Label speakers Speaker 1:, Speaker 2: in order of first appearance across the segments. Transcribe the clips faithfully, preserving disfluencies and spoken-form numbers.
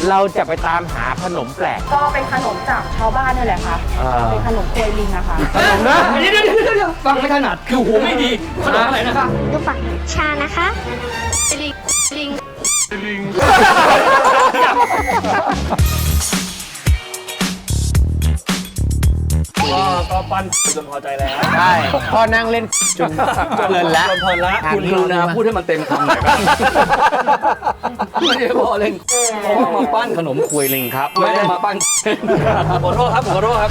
Speaker 1: เราจะไปตามหาขนมแปลก
Speaker 2: ก็เป็นขนมจากชาวบ้านนี่แหละค่ะเป็นขนมกล้วยลิงอะค่ะ
Speaker 1: ขนมนะ
Speaker 3: เดี๋ยวเดี๋ยวเดี๋ยวฟังไม่ถนัดคือหูไม่ดีขนมอะไรนะคะ
Speaker 4: ดูฝักชานะคะลิงลิง
Speaker 1: ลิง
Speaker 3: ก็ปั้นจนพอใจแล้ว
Speaker 1: ใช่พ่อนั่งเล่นจนเพลินแล้ว
Speaker 3: เพลินแล้วคุณกรุณาพูดให้มันเต็มคำหน่อยครับไม่ได้พอเล่นผมมาปั้นขนมควยลิงครับไม่ได้มาปั้นขอโทษครับขอโทษครับ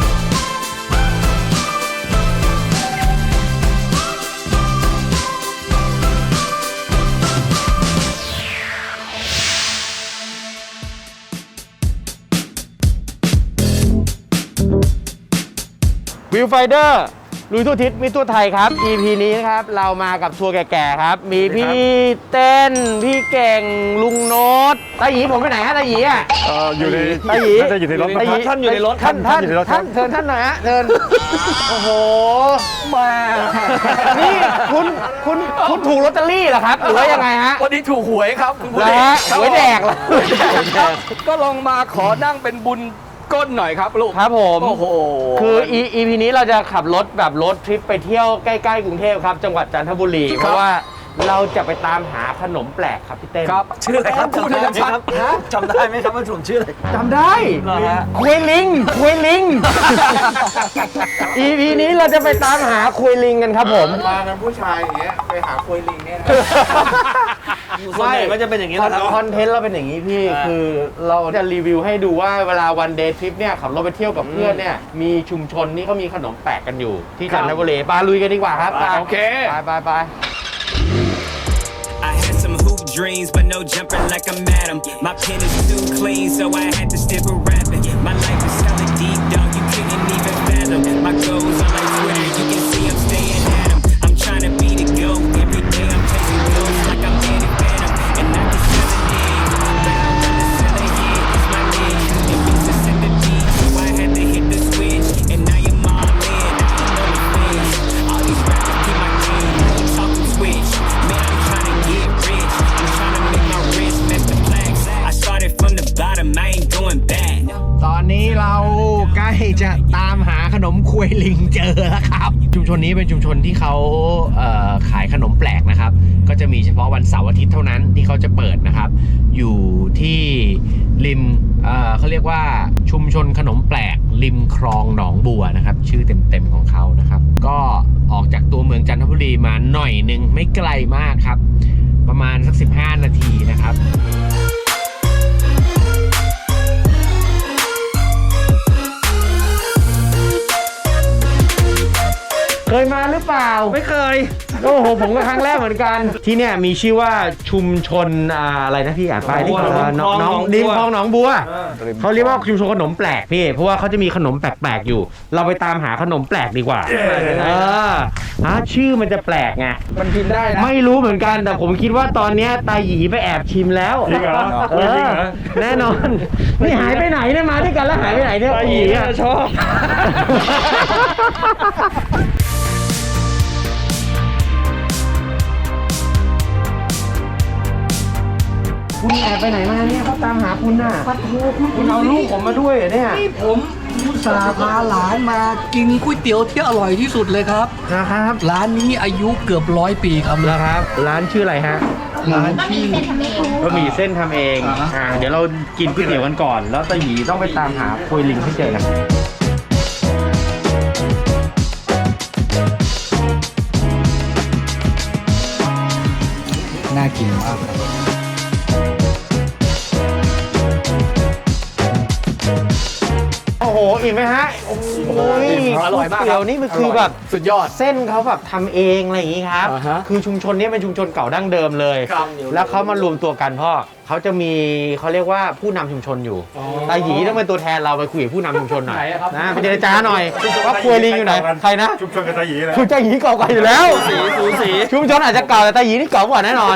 Speaker 1: วิวไฟเดอร์ลุยทั่วทิศมิทั่วไทยครับ อี พี นี้นะครับเรามากับทัวร์แก่ๆครับมีพี่เต้นพี่เก่งลุงโน้ตตาหยีผมไปไหนฮะตาหยีอ่ะ
Speaker 5: เอออยู่ใน
Speaker 1: ตาหยี
Speaker 5: น่าจะอยู่ในรถ
Speaker 1: ตาหยี
Speaker 3: ท่านอยู่ในรถ
Speaker 1: ท่านท่าน
Speaker 5: อยู่ในรถ
Speaker 1: ท่านเชิญท่านหน่อยฮะเชิญโอ้โห
Speaker 3: มา
Speaker 1: นี่คุณคุณคุณถูกลอตเตอรี่เหรอครับหรือว่ายังไงฮะ
Speaker 3: วันนี้ถูกหวยครับคุณผู้ชม
Speaker 1: หวยแดกเหรอ
Speaker 3: ก็ลองมาขอนั่งเป็นบุญก้นหน่อยครับลูก
Speaker 1: ครับผม
Speaker 3: โอ้โห
Speaker 1: คือ อี พี นี้เราจะขับรถแบบรถทริปไปเที่ยวใกล้ๆกรุงเทพครับจังหวัดจันทบุรีเพราะว่าเราจะไปตามหาขนมแปลกครับพี่เต้น
Speaker 3: ครับชื่ออะไรครับพูดให้ชัดจำได้ไหมครับว่าผมชื่ออะไร
Speaker 1: จำได้คุยลิงคุยลิง อี พี นี้เราจะไปตามหาคุยลิงกันครับผม
Speaker 6: มากันผู้ชายอย่างเงี้ยไปหาคุยลิงเนี่ยนะ
Speaker 3: ส่วนใหญ่ก็จะเป็นอย่างนี้แหละครับ
Speaker 1: คอนเทนต์เราเป็นอย่างนี้พี่คือเราจะรีวิวให้ดูว่าเวลาวันเดย์ทริปเนี่ยขับรถไปเที่ยวกับเพื่อนเนี่ยมีชุมชนนี่เขามีขนมแปลกกันอยู่ที่จันทบุรีปาลุยกันดีกว่าครับ
Speaker 3: โอเค
Speaker 1: ไปไปไป
Speaker 7: I had some hoop dreams, but no jumper like I'm Adam. My pen is too clean, so I had to stick with rapping. My life is hella deep, dog, you couldn't even fathom. My goals on my Twitter, you can see I'm staying at 'em. I'm trying to be the GOAT, every day I'm chasing goals like I'm Danny Phantom. And I can sell a name, but I wanna sell a hit, it's my name. It means to send the beat, so I had to hit the switch. And now you're all in, now you know the things. All these rappers keep my game, now you talking switch. Man, I'm trying to get rich, I'm trying to make my wrist match the flags. I started from the bottom, I ain't going back.
Speaker 1: ตอนนี้เราใกล้จะตามหาขนมควยลิงเจอแล้วครับชุมชนนี้เป็นชุมชนที่เขาเอ่อขายขนมแปลกนะครับก็จะมีเฉพาะวันเสาร์อาทิตย์เท่านั้นที่เขาจะเปิดนะครับอยู่ที่ริมเอ่อเขาเรียกว่าชุมชนขนมแปลกริมคลองหนองบัวนะครับชื่อเต็มๆของเขานะครับก็ออกจากตัวเมืองจันทบุรีมาหน่อยนึงไม่ไกลมากครับประมาณสักสิบห้านาทีนะครับเคยมาหรือเปล่า
Speaker 3: ไม่เคย
Speaker 1: โอ้โหผมก็ครั้งแรกเหมือนกันที่เนี่ยมีชื่อว่าชุมชนอะไรนะพี่อ่านไปที่น้องน้องดิมคลองหนองบัวเขาเรียกว่าชุมชนขนมแปลกพี่เพราะว่าเขาจะมีขนมแปลกๆอยู่เราไปตามหาขนมแปลกดีกว่าเอออ่ะชื่อมันจะแปลกไง
Speaker 3: มันกินได้นะ
Speaker 1: ไม่รู้เหมือนกันแต่ผมคิดว่าตอนนี้ตาหยีไปแอบชิมแล้ว
Speaker 5: จริงเหรอ
Speaker 1: เออแน่นอนนี่หายไปไหนเนี่ยมาด้วยกันแล้วหายไปไหนเนี่ย
Speaker 3: ตาหยีชอบ
Speaker 1: คุณแอบไปไหนมาเนี่ยเขาตามหาคุณน่ะคุณเอาลูกผมมาด้วยเหรอเนี่ย
Speaker 3: นี่ผมอุตส่าห์พาหลานมากินก๋วยเตี๋ยวที่อร่อยที่สุดเลยครับ
Speaker 1: นะครับ
Speaker 3: ร้านนี้อายุเกือบร้อยปีครับ
Speaker 1: นะครับร้านชื่ออะไรฮะ
Speaker 3: ร้านชื่อบ
Speaker 1: ะหมี่เส้นทำเองอ่าเดี๋ยวเรากินก๋วยเตี๋ยวกันก่อนแล้วตาหยีต้องไปตามหาโคยลิงให้เจอกัน
Speaker 3: น่ากินมาก
Speaker 1: โอ้โหอิ่มไหมฮะโอ้โห
Speaker 3: อร่อยมาก
Speaker 1: เตี๋ยวนี่มันคือแบบ
Speaker 3: สุดยอด
Speaker 1: เส้นเขาแบบทำเองอะไรอย่างนี้ครับคือชุมชนนี้เป็นชุมชนเก่าดั้งเดิมเลยแล้วเขามารวมตัวกันพ่อเขาจะมีเขาเรียกว่าผู้นำชุมชนอยู่ตาหยีต้องเป็นตัวแทนเราไปคุยกับผู้นำชุมชนหน่อยนะไปเจรจาหน่อยว่าครัวลิงอยู่ไหนใครนะ
Speaker 5: ชุมชนกับตาหยีเลย
Speaker 1: ชุมชนตาหยีเก่าๆอยู่แล้ว
Speaker 3: สีสูสี
Speaker 1: ชุมชนอาจจะเก่าแต่ตาหยีนี่เก่ากว่าแน่นอน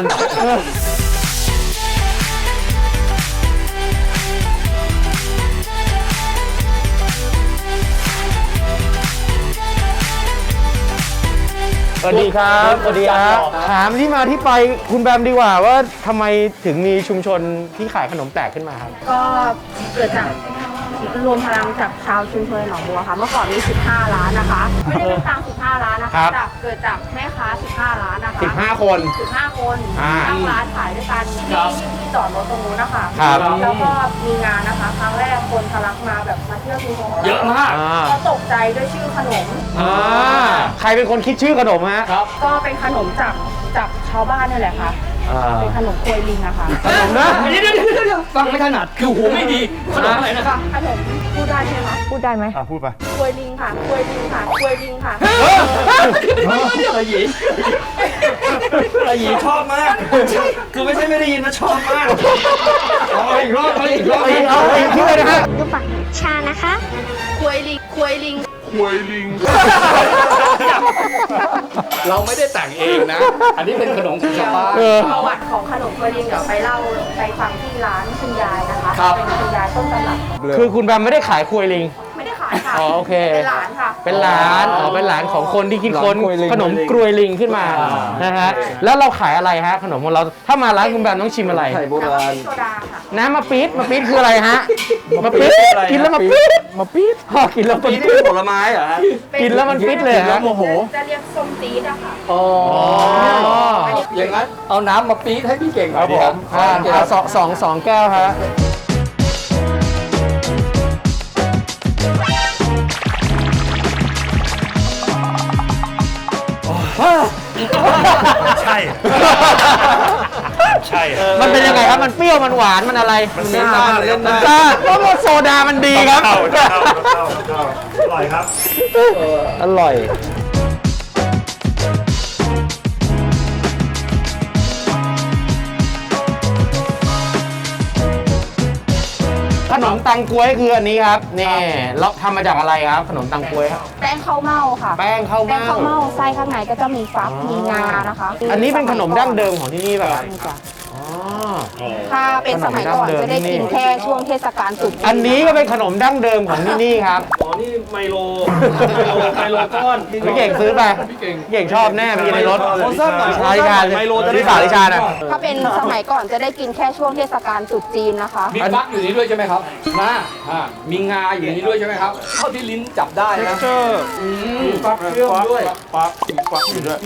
Speaker 1: เอวัสดีครับสวัสดีครับถามที่มาที่ไปคุณแบมดีกว่าว่าทำไมถึงมีชุมชนที่ขายขนมแปลกขึ้นมาครับ
Speaker 2: ก็เกิดจากรวมพลังจากชาวชุมชนหนองบัวค่ะ เมื่อก่อนมีสิบห้าร้านนะคะ ไม่ได้เป็นตังสิบห้าร้านนะ
Speaker 1: ครั
Speaker 2: คะ
Speaker 1: บ
Speaker 2: จากเกิดจากแม่ค้าสิบห้าร้านนะคะ
Speaker 1: สิบห้าคน
Speaker 2: สิบห้าคน
Speaker 1: อ่า
Speaker 2: ตั้งร้านขายด้วยกันที่ที่จอดรถตรงนู้นนะคะ
Speaker 1: ครับ
Speaker 2: แล้วก็มีงานนะคะ ครั้งแรกคนทะลักมาแบบมาเที่ยวชุมชน
Speaker 3: เยอะมาก
Speaker 1: อ่า
Speaker 2: ก็ตกใจด้วยชื่อขนม
Speaker 1: อ่าใครเป็นคนคิดชื่อขนมฮะ
Speaker 3: ครับ
Speaker 2: ก็เป็นขนมจากจากชาวบ้านนี่แหละค่ะ
Speaker 1: อ่า
Speaker 2: เป็นขนมกล้วยลิงอะค่ะ
Speaker 1: ขนมนะ
Speaker 3: เดี๋ยวเดี๋ยวเดี๋ยวเดี๋ยวฟังไม่ถนัดคือหูไม่ดีขนมอะไรนะคะ
Speaker 2: ขนมพูดได้ใช่ไหมพูดได้ไหม
Speaker 6: อ่ะพูดไป
Speaker 2: กล้วยลิงค่ะกล้วยลิงค่ะกล้วยลิงค่ะ
Speaker 3: อะไรหยีอะไรหยีชอบมากคือไม่ใช่ไม่ได้ยินนะชอบมากเอาอีกรอบเอาอีกรอบ
Speaker 1: เอาอีกเอาอีกชื่อเลยนะฮะ
Speaker 4: ดูปากชานะคะ
Speaker 2: กล้วยลิงกล้วยลิง
Speaker 3: เราไม่ได้แต่งเองนะ อันนี้เป็นขนมของชาวบ้าน
Speaker 1: เออ
Speaker 2: ประวัติของขนมกล้วยลิงเดี๋ยวไปเล่าไปฟังที่ร้านคุณยายนะคะ
Speaker 3: ครับ
Speaker 2: เป็นคุณยายต้นตำรับ
Speaker 1: คือคุณแบมไม่ได้ขายควยลิง
Speaker 2: ไม่ได้ขายค่ะ
Speaker 1: อ๋อโอเค
Speaker 2: เป็นหลานค่ะ
Speaker 1: เป็นหลานอ๋อเป็นหลานของคนที่คิดค้น
Speaker 3: หลานกรวยลิง
Speaker 1: ขนมกรวยลิงขึ้นมานะฮะแล้วเราขายอะไรฮะขนมของเราถ้ามาร้านคุณแบมต้องชิมอะไร
Speaker 3: ไข่โบราณ
Speaker 2: โซดาค่ะ
Speaker 1: น้ำมะปี๊ดมะปี๊ดคืออะไรฮะมะปี๊ดกินแล้วมะปี๊ดมะปี๊ดพอกินแล้วมัน
Speaker 3: นี่
Speaker 1: ปี๊
Speaker 3: เป็
Speaker 1: ด
Speaker 3: นผลไม้เหรอฮะ
Speaker 1: กินแล้วมันปี๊ดเลยฮะ
Speaker 3: โมโห
Speaker 2: จะเรียกส้มตีดอะค่ะ
Speaker 3: อ๋อ
Speaker 1: อ๋อ
Speaker 3: อย่างนั้นเอาน้ำมาปี๊ดให้พี่เก่งหน่
Speaker 1: ค
Speaker 3: อ
Speaker 1: รั
Speaker 3: ย
Speaker 1: บ
Speaker 3: ดี
Speaker 1: ผม
Speaker 3: ครั
Speaker 1: อ่า
Speaker 3: บ
Speaker 1: อ่าสองสองสองแก้วฮะ
Speaker 6: ใช่ ใช่
Speaker 1: มันเป็นยังไงครับมันเปรี้ยวมันหวานมันอะไร
Speaker 6: มันเล่นได้เลยครับ
Speaker 1: มันซ่าเพราะว่าโซดามันดีครับ
Speaker 6: เข้าเข้าเข้าเข้าอร่อยครับ
Speaker 1: อร่อย ขนมตังกวยคืออันนี้ครับนี่เราทำมาจากอะไรครับ ขนมตังกวยครับ
Speaker 2: แป้งข้าวเม่าค่ะ
Speaker 1: แป้งข้าว
Speaker 2: แป้ง
Speaker 1: เม่า
Speaker 2: ข้าวเม่าไส้ข้างในก็จะมีฟักมีงานะคะ
Speaker 1: อันนี้เป็นขนมดั้งเดิมของที่นี่ป่ะครับ
Speaker 2: นี่จ้ะ
Speaker 1: อ๋อ
Speaker 2: ถ้าเป็นสมัยก่อนจะได้กินแค่ช่วงเทศกาลตรุษจีน
Speaker 1: อันนี้ก็เป็นขนมดั้งเดิมของที่นี่ครับ
Speaker 3: อ๋อนี่ไมโลไมโลก้อน
Speaker 1: พี่เก่งซื้อไป
Speaker 3: พี่เก่ง
Speaker 1: พี่เก่งชอบแน่ไปกินในรถ
Speaker 3: โอ้ซ้ำหน่อย
Speaker 1: สาลิชา
Speaker 3: ไมโลจะได้
Speaker 1: ที่สาลิชาน่ะ
Speaker 2: ถ้าเป็นสมัยก่อนจะได้กินแค่ช่วงเทศกาลตรุษจีนนะคะ
Speaker 3: มีฟักอยู่นี้ด้วยใช่ไหมครับนะอ่ามีงาอยู่นี้ด้วยใช่ไหมครับเท่าที่ลิ้นจับได้นะอืมฟักเชื่อมด้วย
Speaker 6: ฟักฟักอยู่ด้วย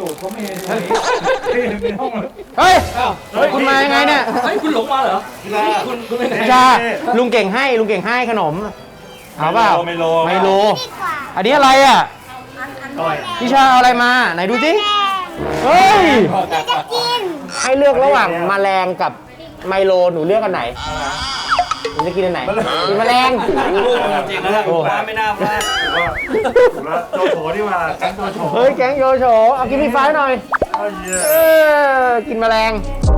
Speaker 1: เฮ้ย คุณมายังไงเนี่ย
Speaker 3: เฮ้ยคุณหลงมาเหรอคุณคุณไปไหน
Speaker 1: ชาลุงเก่งให้ลุงเก่งให้ขนมเอาเปล่า
Speaker 6: ไมโล
Speaker 1: ไมโลอันนี้อะไรอ่ะ
Speaker 6: อร่อย
Speaker 1: พี่ชาเอาอะไรมาไหนดูสิเฮ้ยให้เลือกระหว่างแมลงกับไมโลหนูเลือกอันไหนหนูจะกินอันไหนกินแมลง
Speaker 3: ลูกจริงนะ
Speaker 1: โอ้
Speaker 3: มาไม่น่าพลาด
Speaker 6: ถูกแล้วโจโฉนี่มาแก๊งโจโฉ
Speaker 1: เฮ้ยแกงโยโฉเอากินพี่ฟ้าหน่อย
Speaker 6: เอ้ยเหี้ย
Speaker 1: เออกินแมลง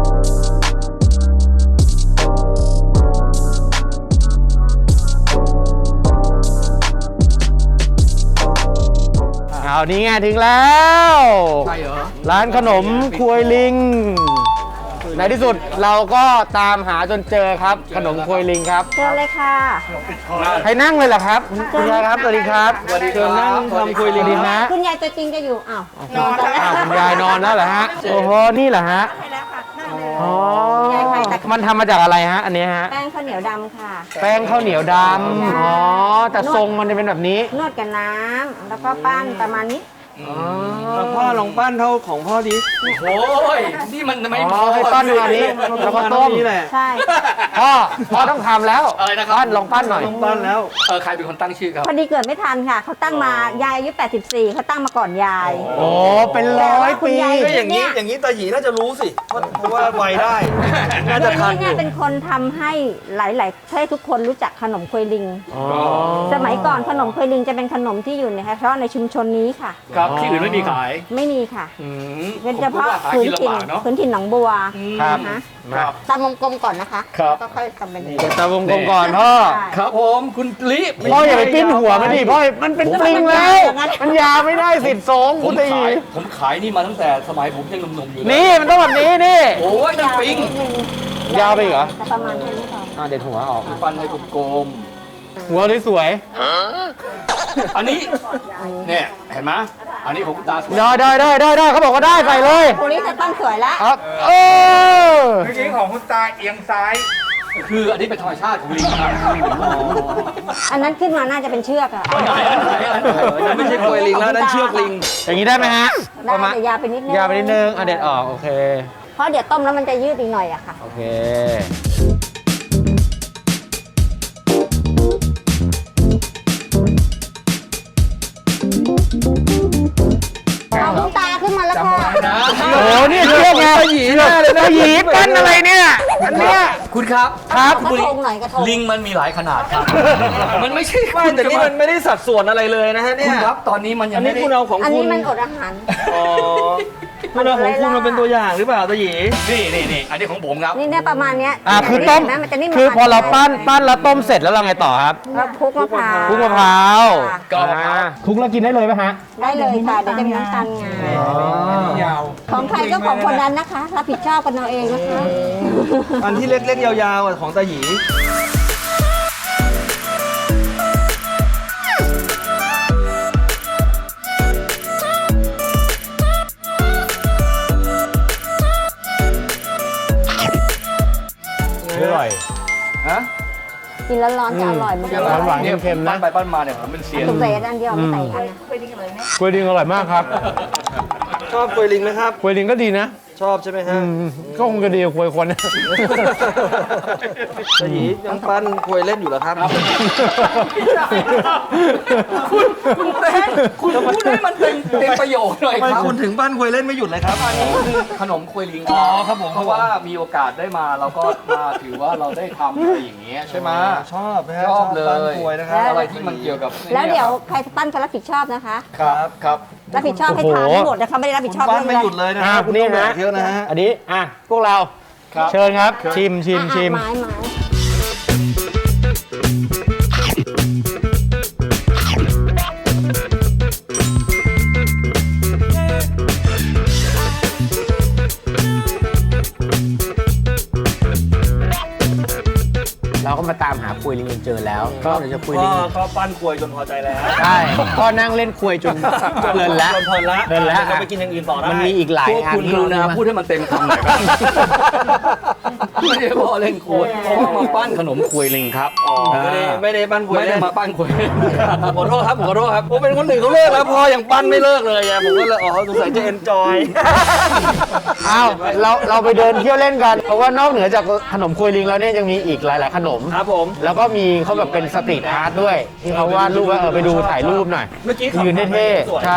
Speaker 1: เอานี่ไงถึงแล้ว
Speaker 3: ใช่เหรอ
Speaker 1: ร้านขนมควยลิง ในที่สุดเราก็ตามหาจนเจอครับ ขนมควยลิงครับ
Speaker 2: เชิญเลยค่ะ
Speaker 6: ปิดคอ
Speaker 1: ให้นั่งเลยเหรอครับคุณยายครับสวัสดีครับ
Speaker 3: สวัสดีครับ
Speaker 1: เชิญนั่งทำควยลิงดีนะ
Speaker 2: คุณยายตัวจริงจะอยู่ อ้าว
Speaker 1: นอนแล้วคุณยายนอนแล้วเหรอฮะโอ้โหนี่เหรอฮะ
Speaker 2: ใช่แล้วค่ะนั่งเลย
Speaker 1: อ๋อมันทำมาจากอะไรฮะอันนี้ฮะ
Speaker 2: แป้งข้าวเหนียวดำค่ะ
Speaker 1: แป้งข้าวเหนียวดำอ๋อแต่ทรงมันจะเป็นแบบนี้
Speaker 2: นวดกับน้ำแล้วก็ปั้นประมาณนี้
Speaker 5: พ่อลองปั้นเท่าของพ่อดิ
Speaker 3: โอ้ยนี่มันไม่
Speaker 1: อ๋อให้ปั้นแบบนี้แล้วก็ต้ม
Speaker 5: นี่แหละ
Speaker 2: ใช่
Speaker 1: พ่อพ่อต้องทำแล้ว
Speaker 3: อะไรนะครับ
Speaker 1: ปั้นลองปั้นหน่อย
Speaker 5: ต้องปั้นแล้ว
Speaker 3: เออใครเป็นคนตั้งชื่อครับ
Speaker 2: พอดีเกิดไม่ทันค่ะ เขาตั้งมายายอายุแปดสิบสี่เขาตั้งมาก่อนยาย
Speaker 1: โอ้เป็นร้อยปี
Speaker 2: แต่ว่าคุณยาย
Speaker 5: ก็อย่างนี้อย่างนี้ตาหยีน่าจะรู้สิเพราะเพราะว่าไวได้ น่าจะทันอ
Speaker 2: เนี่ย
Speaker 5: ยู่
Speaker 2: เป็นคนทำให้หลายๆให้ทุกคนรู้จักขนมควยลิง
Speaker 1: อ๋อ
Speaker 2: สมัยก่อนขนมควยลิงจะเป็นขนมที่อยู่ในเฉพาะในชุมชนนี้ค่ะ
Speaker 3: ครับที่อื่นไม่มีขาย
Speaker 2: ไม่มีค่ะ
Speaker 3: อืม
Speaker 2: เป็นเฉพาะ
Speaker 3: ผม
Speaker 2: พื้น
Speaker 3: คิด
Speaker 2: ถิ่น
Speaker 3: ว่าหากินลำบากเนาะ
Speaker 2: พื้นถิ่นหนองบัว
Speaker 1: ครับ
Speaker 2: นะ
Speaker 1: มา
Speaker 2: ตามวงกลมก่อนนะคะ
Speaker 3: ครับ
Speaker 2: ก็ค่อยทำเป็น
Speaker 1: เดี๋ยวตาวงกลมก่อนพ่อ
Speaker 3: ครับผมคุณลิ
Speaker 1: พ่ออย่าไปปิ้นหัวมันดิพ่อมันเป็นปลิงแล้ว มันยาวไม่ได้สิทธิ์สงฆ์
Speaker 3: ผ
Speaker 1: พุ
Speaker 3: ม
Speaker 1: ทธี
Speaker 3: ขายผมขายนี่มาตั้งแต่สมัยผมยังหนุ่มๆอยู่เลย
Speaker 1: นี่มันต้องแบบนี้นี่
Speaker 3: โอ้ยนั่นปิง
Speaker 1: ยาวไปอีกเหรอ
Speaker 2: แต่ประมาณแค่นี้พอ
Speaker 1: อ่าเด็ดหัวออก
Speaker 3: ฟันให้กลม
Speaker 1: หัวสวย
Speaker 3: ๆอันนี้เนี่ยเห็นไหมอันนี้ของคุณตาสวย
Speaker 1: ได้ได้ได้ได้ได้เขาบอกว่าได้ใส่เลย
Speaker 2: ตัวนี้จะตั้งสวยแล้ว
Speaker 1: ครับเออ
Speaker 6: เมื่อกี้ของคุณตาเอียงซ้าย
Speaker 3: คืออันนี้เป็นธรรมชาติของลิงครับ
Speaker 2: อันนั้นขึ้นมาน่าจะเป็นเชือกอะ
Speaker 3: อันไหนอันไหนอันไหน
Speaker 5: นั่นไม่ใช่กล้วยลิงแล้วนั่นเชือกลิง
Speaker 1: อย่างนี้ได้ไหมฮะ
Speaker 2: ได้
Speaker 1: ประมาณ
Speaker 2: แต่ยาวไปนิดนึง
Speaker 1: ยาวไปนิดนึงอ่ะเด็ดออกโอเค
Speaker 2: เพราะเดี๋ยวต้มแล้วมันจะยืดอีกหน่อยอะค่ะ
Speaker 1: โอเค
Speaker 2: เอาคุณตาขึ้นมาแล้วค่ะ
Speaker 1: โอ้โหนี่เชือกไงหยีเลยนะหยีปั้นอะไรเนี่ยอันเนี้ย
Speaker 3: คุณครับ
Speaker 1: ครับ
Speaker 2: กระทงหน่อยกระทง
Speaker 3: ลิงมันมีหลายขนาดครับ มันไม่ใช่
Speaker 5: ไม่แต่นี่มันไม่ได้สัดส่วนอะไรเลยนะฮะเนี่
Speaker 3: คุ
Speaker 5: ย
Speaker 3: ณครับตอนนี้มันยั
Speaker 5: อั
Speaker 3: ง
Speaker 5: น
Speaker 3: ไม่
Speaker 5: นี้
Speaker 3: ได้
Speaker 5: คุณเอาของ
Speaker 2: อัน
Speaker 5: คุ
Speaker 2: นี้
Speaker 5: ณ
Speaker 2: มันอดอาหาร
Speaker 5: อ๋อคุณเอาของคุณมาเป็นตัวอย่างหรือเปล่าตาหยี
Speaker 3: นี่นี่นี่อันนี้ของผมครับ
Speaker 2: นี่เนี่ยประมาณเนี้ย
Speaker 1: อ่ะคือต้ม
Speaker 2: เห็นไหมันจะนิ่ม
Speaker 1: คือพอเราปั้น
Speaker 2: ไป
Speaker 1: ปั้นแล้วต้มเสร็จแล้วเราไงต่อครับ
Speaker 2: แล้วคลุกมะพร้าว
Speaker 1: คลุกมะพร้าว
Speaker 2: ค่ะ
Speaker 3: ก็มะพร้าว
Speaker 1: อ่คลุกแล้วกินได้เลยไหมฮะ
Speaker 2: ได้เลยค่ะเดี๋ยวจะมีน้ำตาลงา
Speaker 5: ยาว
Speaker 2: ของใครก็ของคนนั้นนะคะ รับผิดชอบกันเอาเองนะคะ
Speaker 5: อันที่เล็กๆยาวๆอ่ะของตาหยี
Speaker 1: อร่อย
Speaker 3: ฮะ
Speaker 2: กินแล้วร้อนจะอร่อยเหมือนกัน
Speaker 1: หวานหวานๆเค็มๆนะ
Speaker 3: ปั้นไปปั้นมาเนี่ยผมเป็นเซียน
Speaker 2: ตุกเตอันเดียวไม่ใส่อีกอันนะ
Speaker 1: กล้วยดิงอร่อยมากครับ
Speaker 5: ชอบกล้วยลิงไหมครับ
Speaker 1: กล้วยดิงก็ดีนะ
Speaker 5: ชอบใช่ไหมฮะ
Speaker 1: อืมก็คงจะดีกว่ากล้วยคนนะ
Speaker 5: ตาหยียังปั้นกล้วยเล่นอยู่เหรอครับ
Speaker 3: คุณคุณเต้นคุณพูดให้มันเป็นเป็นประโยชน์หน่อย
Speaker 5: ทำไม
Speaker 3: ครับ
Speaker 5: คุณถึงปั้นกล้วยเล่นไม่หยุดเลยครับ
Speaker 3: อันนี้คือขนมควยลิง
Speaker 5: อ๋อครับผม
Speaker 3: เพราะว่ามีโอกาสได้มาเราก็มาถือว่าเราได้ทำอะไรอย่างเงี้ยใช่ไหม
Speaker 5: ชอบนะฮะ
Speaker 3: ชอบเลย
Speaker 5: ปั้นกล้วยนะครับ
Speaker 3: อะไรที่มันเกี่ยวกับ
Speaker 2: แล้วเดี๋ยวใครปั้นก็รับผิดชอบนะคะ
Speaker 3: ครับครับ
Speaker 2: รับผิดชอบให้ทานให้หมดนะคะไม่ได้รับผิดชอบ
Speaker 5: ปั้น
Speaker 2: เรื่อง
Speaker 5: ไม่
Speaker 2: อะไร
Speaker 5: หยุดเลยนะ
Speaker 1: อ่ะ
Speaker 5: ครับคุณ
Speaker 1: นี่
Speaker 5: ต้องแบ
Speaker 1: นะ
Speaker 5: กเยอะนะฮะ
Speaker 1: อันนี้อ่ะพวกเราเชิญครับ ชิมชิม
Speaker 2: อ่ะ
Speaker 1: ชิม
Speaker 2: ไม้ไม้
Speaker 1: เราก็มาตามหาคุยลิงจนเจอแล้วก็เดี๋ยวจะคุยลิ
Speaker 5: ก็
Speaker 1: ง
Speaker 5: ก็ปั้นกล้วยจนพอใจแล้ว
Speaker 1: ใช่ก็นั่งเล่นคุยจนเพลินแล้ว
Speaker 5: จนเพลินแล้ว
Speaker 1: เพลินแล้ว
Speaker 5: เราไปกินอย่างอื่นต่อได้
Speaker 1: มันมีอีกหลาย
Speaker 3: พวก
Speaker 1: อัน
Speaker 3: คุณ
Speaker 1: ที่
Speaker 3: กรุณา
Speaker 1: เรา
Speaker 3: พูดให้มันเต็มคำหน่อยครับไม่ได้พอเล่นควยเพราะว่ามาปั้นขนมควยลิงครับ
Speaker 5: อ๋อไม่ได้ไม่ได้ปั้นกล้วย
Speaker 3: ไม่ได้
Speaker 5: เล่น
Speaker 3: มาปั้นควย
Speaker 5: ขอโทษครับขอโทษครับผมเป็นคนหนึ่งเขาเลิกแล้วพออย่างปั้นไม่เลิกเลยไงผมก็เลยอ๋อสงสัยจะเอนจอย
Speaker 1: อ้าวเราเราไปเดินเที่ยวเล่นกัน เพราะว่านอกเหนือจากขนมคุยลิงแล้วเนี่ยยังมีอีกหลาย ๆ ขนม
Speaker 5: ครับผม
Speaker 1: แล้วก็มีเขาแบบเป็นสตรีทอาร์ตด้วย ที่เขาวาดรูปว่าเออไปดูถ่ายรูปหน่อย
Speaker 5: เมื่อกี้ขับ
Speaker 1: ยืนเท่
Speaker 5: สวย
Speaker 1: ๆใช่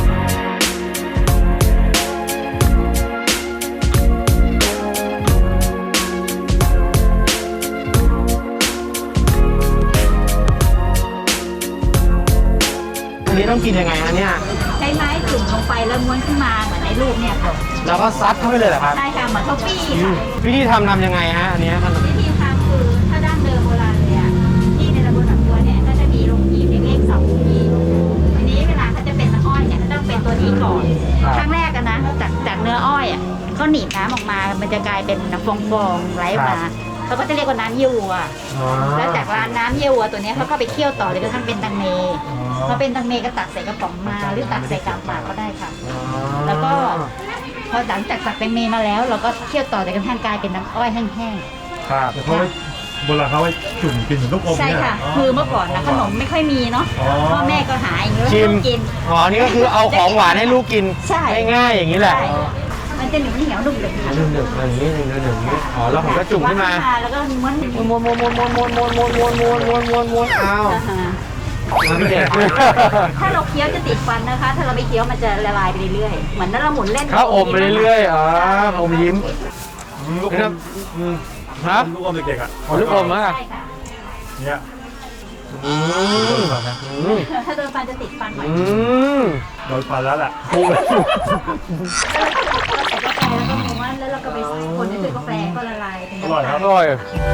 Speaker 1: อันนี้ต้องกินยังไงฮะเนี่ย
Speaker 8: ใช้ไม้จุ่มลงไปแล้วม้วนขึ้นมาเหมือนในรูปเนี่ยค่ะ
Speaker 1: แล้วก็ซัดเข้าไปเลยเหรอครับ
Speaker 8: ใช่ค่ะเหมือนข้าวปี้
Speaker 1: อืม
Speaker 8: ค่ะ
Speaker 1: วิธีทำทำยังไงฮะอันเนี้ยขนม
Speaker 8: วิธีทำคือถ้าดั้งเดิมโบราณเลยอ่ะที่ในตำบลหนองบัวเนี่ยก็จะมีโรงหีบเล็กๆสองหีบทีนี้เวลาเขาจะเป็นน้ำอ้อยเนี่ยต้องเป็นตัวนี้ก่อนครั้งแรกกันนะจากจากเนื้ออ้อยอ่ะเขาหนีบน้ำออกมา มันจะกลายเป็นฟองๆไหลออกมาเขาก็จะเรียกว่าน้ำเยี่ยววัว
Speaker 1: อ๋อ
Speaker 8: แล้วจากร้านน้ำเยี่ยววัวตัวเนี้ยเขาก็ไปเคี่ยวต่อเลยกระทั่งเป็นตังเมพอเป็นตังเมก็ตักใส่กระป๋องมาหรือตักใส่กาบหมากก็ได้ค่ะ แล้วก็พอหลังจากตักแตงเมมาแล้ว เราก็เคี่ยวต่อจนกระทั่งกลายเป็นน้ำอ้อยแห้ง
Speaker 1: ครับ
Speaker 6: แต่เขาไว้โบราณเขาไว้จุ่มกินเหมือนลูกอม
Speaker 8: ๆใช่
Speaker 6: เนี่ย
Speaker 8: ค่ะ คือเมื่อก่อนนะขนมไม่ค่อยมีเนาะ
Speaker 6: อ๋อ
Speaker 8: พ่อแม่ก็หาอย่างนี้แล้ว
Speaker 1: ชิม
Speaker 8: ลูกกิน
Speaker 1: อ๋อ นี่ก็คือเอาของหวานให้ลูกกิน
Speaker 8: ใช่
Speaker 1: ง่ายๆอย่างนี้แหละ
Speaker 8: ใช่มันจะเหนียวเหนียวๆนุ่มๆค่ะ
Speaker 1: หนึ่งหนึ่งอย่างนี้หนึ่งหนึ่งอย่างนี้อ๋อแล้วผมก็จุ่มขึ้นมา
Speaker 8: แล้วก็ม้วน
Speaker 1: ม้วนม้วนม้วนม้วนม้วนม้วนม้วนม้วนม้วนม้วนม้วนม้วนอ้าว
Speaker 8: อ่าฮะ
Speaker 1: มันไม่เด็ด
Speaker 8: ถ้าเราเคี้ยวจะติดฟันนะคะ ถ้าเราไม่เคี้ยวมันจะละลายไปเรื่อยๆเหมือนถ้าเราหมุนเล่น
Speaker 1: ข้าวอมไปเรื่อยๆอ๋ออมยิ้ม
Speaker 6: ลูกอ
Speaker 1: นะ
Speaker 6: ม
Speaker 1: อืมฮะ
Speaker 6: ลูกอมเด็กๆอ่ะ
Speaker 1: อ๋อลูกอมอ่ะ
Speaker 8: ใช่ค่ะ
Speaker 6: เนี่ย
Speaker 1: อืมอืม
Speaker 8: ถ้าโดนฟันจะติดฟันบ่อย
Speaker 1: อืม
Speaker 6: โดนฟันแล้วแหละ
Speaker 1: โอ้ย
Speaker 8: แล้วเราก็ใส่กาแฟแล้วก็ม้วนแล้วเราก็ไปคนที่ซื้อกาแฟก็ละลายเป็น
Speaker 6: อร่อยครับ
Speaker 1: อร่อย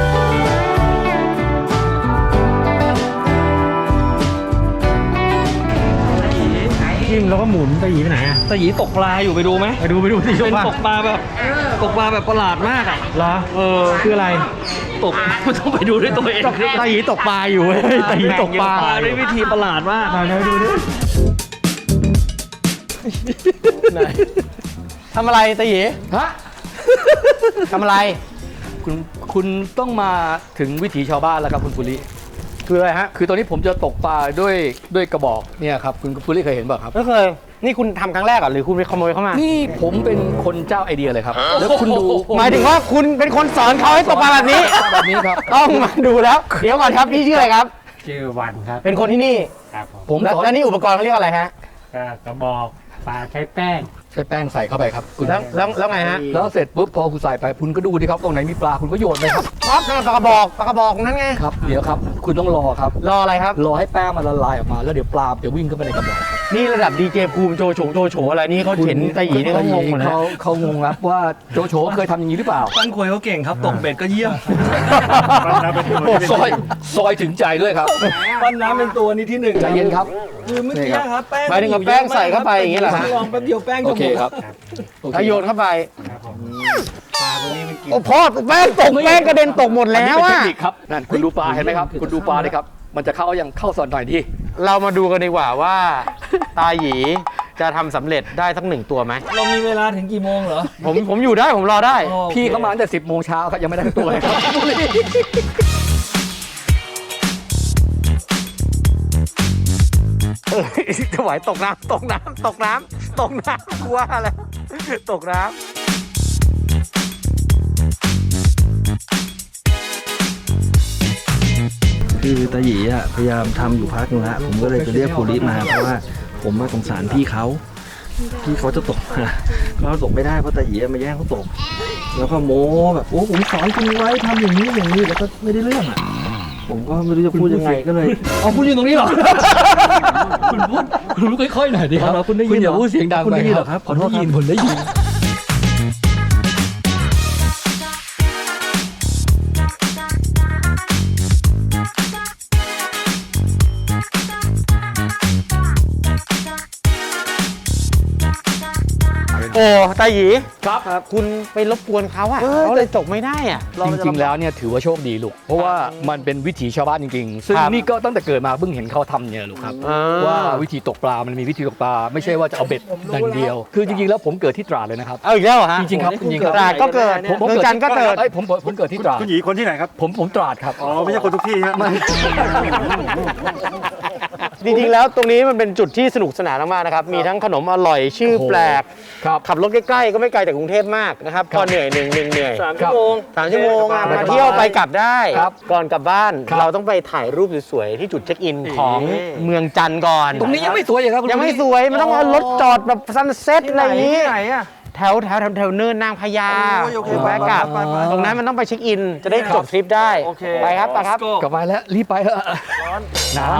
Speaker 1: จิ้มแล้วก็หมุนตะหยีไปไหนอ่ะ
Speaker 5: ตาหยีตกปลาอยู่ไปดูไหม
Speaker 1: ไปดูไปดูสิ
Speaker 5: เป็น
Speaker 1: ว่า
Speaker 5: ตกปลาแบบตกปลาแบบประหลาดมากอ่ะ
Speaker 1: เหรอเออคืออะไร
Speaker 5: ตกต้องไปดูด้วยตัวเอง
Speaker 1: ตะหยีตกปลาอยู่เว้ยตะหยีตกปลา
Speaker 5: ด้วยวิธีประหลาดมาก
Speaker 1: มาเดี๋ยวดูดิไหนทำอะไรตาหยี
Speaker 3: ฮะ
Speaker 1: ทำอะไร
Speaker 3: คุณคุณต้องมาถึงวิถีชาวบ้านแล้วครับคุณปุริ
Speaker 1: คืออะไรฮะ
Speaker 3: คือตอนนี้ผมจะตกปลาด้วยด้วยกระบอกเนี่ยครับคุณปุริเคยเห็นเปล่าครับ
Speaker 1: ไม่เคยนี่คุณทำครั้งแรกเหรอหรือคุณไปขโมยเข้ามา
Speaker 3: นี่ผมเป็นคนเจ้าไอเดียเลยครับ แล้วคุณดู
Speaker 1: หมายถึงว่าคุณเป็นคนสอนเขาให้ตกปลาแบบนี้
Speaker 3: แบบนี้ครับ
Speaker 1: ต้องมาดูแล้ว เดี๋ยวก่อนครับพี่ชื่ออะไรครับ
Speaker 6: ชื่อวันครับ
Speaker 1: เป็นคนที่นี่
Speaker 6: ครับผม
Speaker 3: ผม
Speaker 1: แล้ว
Speaker 3: สอน
Speaker 1: แล้วนี่อุปกรณ์เขาเรียกอะไรฮะ
Speaker 6: ก็กระบอกปลาใช้แป้ง
Speaker 3: ใช้แป้งใส่เข้าไปครับคุณ
Speaker 1: แล้วแล้วแล้วไงฮะ
Speaker 3: แล้วเสร็จปุ๊บพอคุณใส่ไปคุณก็ดูดิครับตรงไหนมีปลาคุณก็โยนไปครับ
Speaker 1: ปั๊บนั่นปลากระบอกปลากระบอกนั่นไง
Speaker 3: ครับเดี๋ยวครับคุณต้องรอครับ
Speaker 1: รออะไรครับ
Speaker 3: รอให้แป้งมันละลายออกมาแล้วเดี๋ยวปลาจะวิ่งเข้าไปในกระบอกครับ
Speaker 1: นี่ระดับดีเจภูมิโจโฉโจโฉอะไรนี่เขาเห็นตาหยีนี่เขางงหมดแล้ว
Speaker 3: เขาเขางงครับว่าโจโฉเคยทำอย่างนี้หรือเปล่า
Speaker 5: ปั้นควยเขาเก่งครับตกเบ็ดก็เยี่ยม
Speaker 6: ปั้นน้ำเป็นตัวที่เป็น
Speaker 3: ซอยซอยถึงใจด้วยครับ
Speaker 5: ปั้นน้ำเป็นตัวนี้ที่หนึ่ง
Speaker 3: ใจเย็นครับ
Speaker 5: คือเมื่อกี้ครับแป้ง
Speaker 1: หมายถึงกับแป้งใส่เข้าไปอย่างนี้เหรอฮะ
Speaker 5: ลองแป๊บเดียวแป้ง
Speaker 3: โอ
Speaker 5: จะห
Speaker 3: เค
Speaker 5: มด
Speaker 3: ครับโอเค
Speaker 1: ถ้าโยนเข้าไป
Speaker 6: ครับผมปลาตัวนี้มันกิน
Speaker 1: โอ้พ่อแป้งตกแป้งกระเด็นตกหมด
Speaker 3: อัน
Speaker 1: แล้
Speaker 3: นี้
Speaker 1: ว
Speaker 3: เป็นเท
Speaker 1: อะ
Speaker 3: คนิคครับนั่นคุณดูปลาเห็นไหมครับคุณดูปลาดิครับมันจะเข้าอย่างเข้าสอนหน่อยดิ
Speaker 1: เรามาดูกันดีกว่าว่า ตาหยีจะทำสำเร็จได้ทั้งหนึ่งตัวไหม
Speaker 5: เรามีเวลาถึงกี่โมงเหรอ
Speaker 1: ผมผมอยู่ได้ผมรอได้
Speaker 5: อ๋อ
Speaker 3: พี่เขามาตั้งแต่สิบโมงเช้าครับยังไม่ได้ทั้งตัวเลยครับ
Speaker 1: เออถวายตกน้ำตกน้ำตกน้ำตกน้ำกลัวอะไรตกน้ำ
Speaker 9: คือตาหยีอ่ะพยายามทำอยู่พักนึงแล้วผมก็เลยจะเรียกโพลิสมาเพราะว่าผมมาสงสารพี่เขาพี่เขาจะตกมาเขาตกไม่ได้เพราะตาหยีมาแย่งเขาตก แล้วก็โม้แบบโอ้ผมสอนคุณไว้ทำอย่างนี้อย่างนี้แล้วก็ไม่ได้เรื่องอ่ะผมก็ไม่รู้จะพูดยังไงก็เลย
Speaker 3: อ๋อคุณอยู่ตรงนี้เหรอ คุณพูดคุณพูดค่อยๆหน่อยดิครับ
Speaker 9: อ๋อคุณได้ยิน
Speaker 3: คุณอย่า
Speaker 9: เหรอ
Speaker 3: พูดเสียงดัง
Speaker 9: คุณ
Speaker 3: ไป
Speaker 9: ได้ยิน
Speaker 3: ค
Speaker 9: เหร
Speaker 3: รั
Speaker 9: อครับ
Speaker 3: ผมได้ยิน
Speaker 9: ขอโทษครับ
Speaker 3: ผมได้ยิน
Speaker 1: โอ้ตาหยี
Speaker 3: ครับ
Speaker 1: คุณไปรบกวนเขาอ่ะเขาเลยตกไม่ได้อ่ะ
Speaker 3: จริงๆแล้วเนี่ยถือว่าโชคดีลูกเพราะว่ามันเป็นวิถีชาวบ้านจริงๆ ซึ่ง
Speaker 1: ครับ
Speaker 3: นี่ก็ตั้งแต่เกิดมาเพิ่งเห็นเขาทำเนี่ยลูกครับ
Speaker 1: อ่า
Speaker 3: ว่าวิธีตกปลา มันมีวิธีตกปลา ไม่ใช่ว่าจะเอาเบ็ดอย่างเดียว คือจริงๆแล้วผมเกิดที่ตราดเลยนะครับ
Speaker 1: เอาอีกแล้วเหรอฮะ
Speaker 3: จริงๆครับจริงๆครับ
Speaker 1: ตราดก็เกิด
Speaker 3: ผมผม
Speaker 1: เมืองจันทร์ก็เกิด
Speaker 3: เอ้ยผมผมผมเกิดที่ตราด
Speaker 6: คุณหยีคนที่ไหนครับ
Speaker 3: ผมผมตราดครับ
Speaker 6: อ๋อ ไม่ใช่คนทุกที่ครับ
Speaker 1: จริงๆแล้วตรงนี้มันเป็นจุดที่สนุกสนานมากๆนะครับ มีทั้งขนมอร่อยชื่อแปลก
Speaker 3: ครับ
Speaker 1: ขับรถใกล้ๆก็ไม่ไกลจากกรุงเทพมากนะครับ
Speaker 3: ครับ
Speaker 1: พอเหนื่อยหนึ่งหนึ่งเหนื่อย
Speaker 5: สามชั่วโมง
Speaker 1: สามชั่วโมงอะ
Speaker 3: สบายๆ
Speaker 1: มาเที่ยวไปกลับได้
Speaker 3: ครับ
Speaker 1: ก่อนกลับบ้าน
Speaker 3: ครับ
Speaker 1: เราต้องไปถ่ายรูปสวยๆที่จุดเช็คอินของเมืองจันทร์ก่อน
Speaker 3: ตรงนี้ยังไม่สวยอย่างครับคุณ
Speaker 1: ยังไม่
Speaker 3: ผู้ช
Speaker 1: สวยมันต้องเอารถจอดแบบซันเซ็ตอะไรอย่างนี้
Speaker 5: ที่ไหนอ่ะ
Speaker 1: แถวแถวแถวแถวเนินนางพญา
Speaker 5: โอ้ยโอเค
Speaker 1: หรือแวะกลับ
Speaker 5: ไปไปไป
Speaker 1: ตรงนั้นมันต้องไปเช็คอิน จะได้จบทริปได้
Speaker 5: โอเค
Speaker 1: ไปครับไปครับ
Speaker 5: Let's go
Speaker 3: กลับไปแล้วรีบไปเถอะหนาว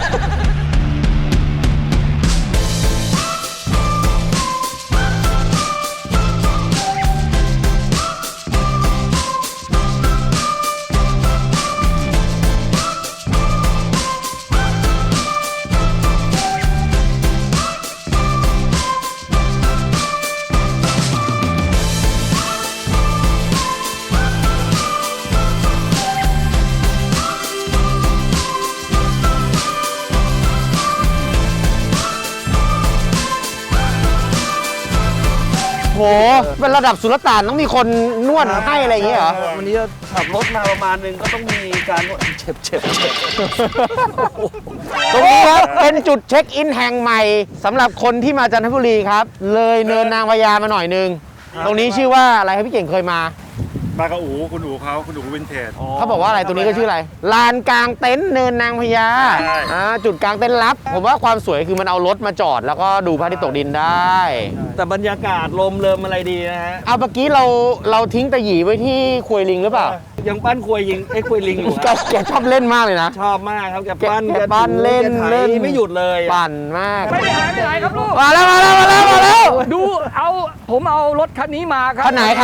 Speaker 1: โห เป็นระดับสุลต่านต้องมีคนนวดให้อะไรอย่างเงี้ยเหรอ
Speaker 5: วันนี้ขับรถมาประมาณนึงก็ต้องมีการนวดเจ็บเจ็บเจ็บ
Speaker 1: ตรงนี้ครับ เป็นจุดเช็คอินแห่งใหม่สำหรับคนที่มาจันทบุรีครับ เลยเนินนางพญามาหน่อยนึง ตรงนี้ชื่อว่าอะไรครับพี่เก่งเคยมา
Speaker 6: ปลากระอูคุณอูเขาคุณอูวินเทจ
Speaker 1: เขาบอกว่าอะไรตรงนี้ก็ชื่ออะไร ลานกลางเต็นท์เนินนางพญา
Speaker 6: ใช่
Speaker 1: อ่าจุดกลางเต็นท์ลับ ผมว่าความสวยคือมันเอารถมาจอด แล้วก็ดูพระอาทิตย์ตกดินได้
Speaker 5: แต่บรรยากาศลมเริมอะไรดีนะฮะ
Speaker 1: เอาเมื่อกี้เราเราทิ้งตะหยีไว้ที่ควยลิงหรือเปล่า
Speaker 5: ยังปั้นควยยิงไอ้ควยลิงอยู่
Speaker 1: แก
Speaker 5: อะ
Speaker 1: แกชอบเล่นมากเลยนะ
Speaker 5: ชอบมากครับแกปั้น
Speaker 1: แกปั้นเล่น
Speaker 5: แกไถ
Speaker 1: เล่น
Speaker 5: ไม่หยุดเลยอะ
Speaker 1: ปั่นมาก
Speaker 5: ไม่ได้หายไปไหนครับลูก
Speaker 1: มาแล้วมาแล้วมาแล้วมาแล้ว
Speaker 3: ดูเอาผมเอารถคันนี้มาครับ
Speaker 1: คันไหนครับ
Speaker 3: ผ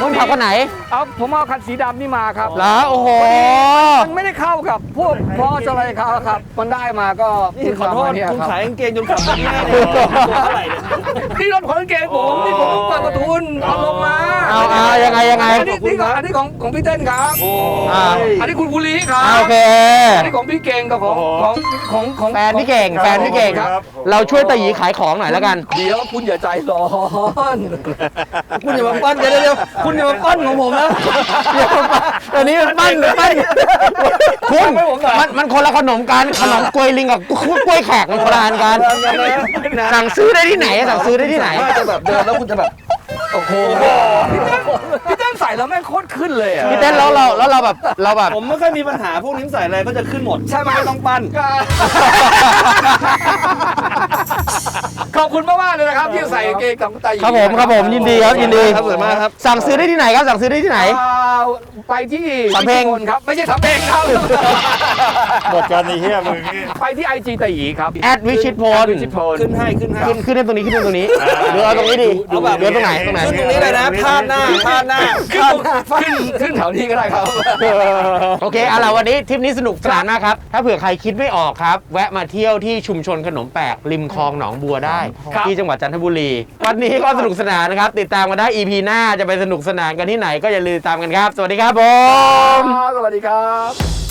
Speaker 1: คนขับคนไหน
Speaker 3: เอาผมเอาคันสีดำนี่มาครับ
Speaker 1: เหรอโอ้โห
Speaker 3: มันไม่ได้เข้ากับพวกพอสอะไรเขาครับ มันได้มาก็
Speaker 5: นี่ขอโทษ
Speaker 3: เนี่ย
Speaker 5: คุณ
Speaker 3: รับ
Speaker 5: ขายกางเกงจนขับไม่ได้เลยตัวเท่าไหร่เนี่ย
Speaker 3: นี่รถของกางเกงผมนี่ผมเปิดประทุนเอาลงมา
Speaker 1: เอาเอายังไงยังไง
Speaker 3: อันนี้นี่ของอันนี้ของของพี่เต้นครับ
Speaker 1: อ่า
Speaker 3: อันนี้คุณภูริครับ
Speaker 1: อ่าโอเค
Speaker 3: อันนี้ของพี่เก่งกับของของของของ
Speaker 1: แฟนพี่เก่งแฟนพี่เก่ง
Speaker 3: ครับ
Speaker 1: เราช่วยตาหยีขายของหน่อยแล้วกัน
Speaker 3: เดี๋ยวคุณอย่าใจร้อน
Speaker 5: คุณอย่ามาปั้นเดี๋ยวเดี๋ยวคุณอย่ามาปั้นของผมนะ
Speaker 1: ตอนนี้มันปั้นปั้นคุณมันมันคนละขนมกันขนมกล้วยลิงกับกล้วยแขกมันคนละอันกันสั่งซื้อได้ที่ไหนอะสั่งซื้อได้ที่ไหน
Speaker 5: ว่าจะแบบเดินแล้วคุณจะแบบ
Speaker 3: โอ้โหพี่เต้นใส่แล้วแม่งโคตรขึ้นเลยอ่ะ
Speaker 1: พี่เต้นแล้วเราแล้วเราแบบเราแบบ
Speaker 5: ผมไม่ค่อยมีปัญหาพวกนี้ใส่อะไรก็จะขึ้นหมด ใช่ไหมไม่ต้องปั้น
Speaker 3: ขอบคุณมากๆเลยนะครับที่ใส่กางเกงของไต
Speaker 1: ครับผมครับผมยินดีครับยินดี
Speaker 5: ครับสวยมากครับ
Speaker 1: สั่งซื้อได้ที่ไหนครับสั่งซื้อได้ที่ไหน
Speaker 3: อ่าไปที่
Speaker 1: สำเพ็ง
Speaker 3: วิชิตพลครับไม่ใช่สำเพ็งครับ
Speaker 6: หมดกันไอ้เหี้ยมึงนี่
Speaker 3: ไปที่ไอจีไตหยีครับ
Speaker 1: แอดวิชิตพล
Speaker 3: วิชิตพล
Speaker 5: ขึ้นให้ขึ้นให้
Speaker 1: ขึ้นขึ้นได้ตรงนี้ขึ้นได้ตรงนี้หรือเอาตรงนี้ดี
Speaker 5: เอาแบบ
Speaker 1: หรือเอาตรงไหนตรงไหน
Speaker 5: ขึ้นตรงนี้เลยนะพาดหน้าพาดหน้า
Speaker 3: ขึ้นขึ้นขึ้นแถวนี้ก็ได้ครับ
Speaker 1: โอเคเอาล่ะวันนี้ทริปนี้สนุกสนานมากครับ ถ้าเผื่อใครคิดไม่ออกครับ แวะมาเที่ยวที่ชุมชนขนมแปลกริมคลองหนองบัวได้
Speaker 3: ครับ
Speaker 1: ที่จังหวัดจันทบุรี วันนี้ก็สนุกสนานนะครับ ติดตามกันได้ อี พี หน้าจะไปสนุกสนานกันที่ไหนก็อย่าลืมติดตามกันครับ สวัสดีครับผม
Speaker 3: สวัสดีครับ